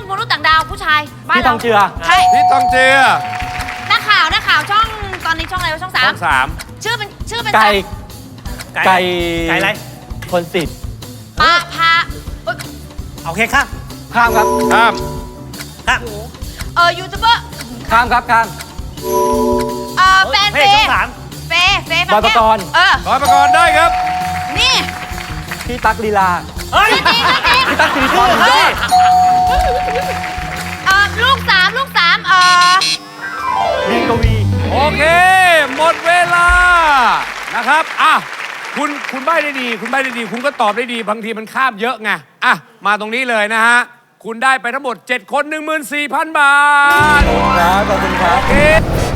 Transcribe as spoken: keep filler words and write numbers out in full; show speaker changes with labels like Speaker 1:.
Speaker 1: มนุษย์ต่างดาวผู้ชายบ้าน
Speaker 2: พี่
Speaker 1: เรา
Speaker 2: ทองเจือ
Speaker 1: ใช่
Speaker 3: พี่ทองเจือ
Speaker 1: นักข่าวนักข่าวช่องตอนนี้ช่องอะไรวะช่องสา
Speaker 3: ช่
Speaker 1: ม
Speaker 3: องสาม
Speaker 1: ชื่อเป็นชื่อเป็น
Speaker 2: ไก่ ไก่
Speaker 4: ไก่อะไร
Speaker 2: คนสิทธิ์
Speaker 1: ปาพาเอ้ย
Speaker 4: โอเคข้าม
Speaker 2: ข้ามครับ
Speaker 3: ข้าม
Speaker 4: ข้าม
Speaker 1: เออยูทูบเบอร์
Speaker 2: ข้ามครับข้าม
Speaker 1: เออแฟน
Speaker 4: เพ
Speaker 1: เฟ
Speaker 4: จช่อ
Speaker 1: ย์
Speaker 4: งสาม
Speaker 1: เฟย์เฟย์
Speaker 2: บอยปกรณ์
Speaker 1: เออบ
Speaker 3: อยปกรณ์ได้ครับ
Speaker 1: นี่
Speaker 2: พี่ตั๊กลีลา
Speaker 4: เฮ้ย
Speaker 1: จริงจริง
Speaker 2: พี่ตั๊กสิริพร
Speaker 4: เฮ้ย
Speaker 1: เออลูกสามลูกสามเออ
Speaker 2: เรียนกวี
Speaker 3: โอเค หมดเวลานะครับอ่ะคุณคุณใบ้ได้ดี คุณใบ้ได้ดี คุณก็ตอบได้ดี บางทีมันข้ามเยอะไงอ่ะมาตรงนี้เลยนะฮะ คุณได้ไปทั้งหมด เจ็ด คน หนึ่งหมื่นสี่พัน บาท
Speaker 2: ครับขอบคุณครับ
Speaker 3: โอเค